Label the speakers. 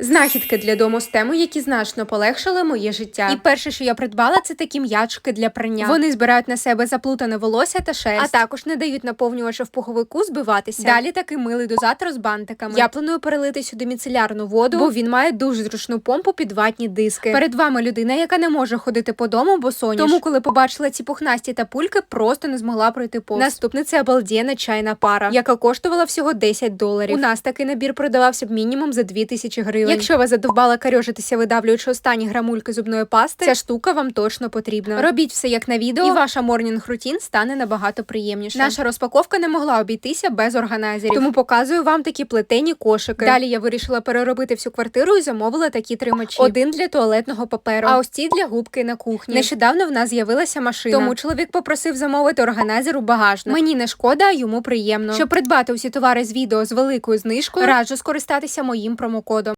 Speaker 1: Знахідки для дому з тему, які значно полегшили моє життя. І перше, що я придбала, це такі м'ячики для прання. Вони збирають на себе заплутане волосся та шерсть, а також не дають наповнювачу в пуховику збиватися. Далі такий милий дозатор з бантиками. Я планую перелити сюди міцелярну воду, бо він має дуже зручну помпу під ватні диски. Перед вами людина, яка не може ходити по дому, бо соняш. Тому, коли побачила ці пухнасті та пульки, просто не змогла пройти повз. Наступне це обалденна чайна пара, яка коштувала всього $10. У нас такий набір продавався б мінімум за 2000 гривень. Якщо ви задовбали карьожитися, видавлюючи останні грамульки зубної пасти, ця штука вам точно потрібна. Робіть все як на відео, і ваша морнінг-рутін стане набагато приємніше. Наша розпаковка не могла обійтися без органайзерів, тому показую вам такі плетені кошики. Далі я вирішила переробити всю квартиру і замовила такі тримачі. Один для туалетного паперу, а ось ці для губки на кухні. Нещодавно в нас з'явилася машина, тому чоловік попросив замовити органайзер у багажник. Мені не шкода, а йому приємно. Щоб придбати усі товари з відео з великою знижкою, раджу скористатися моїм промокодом.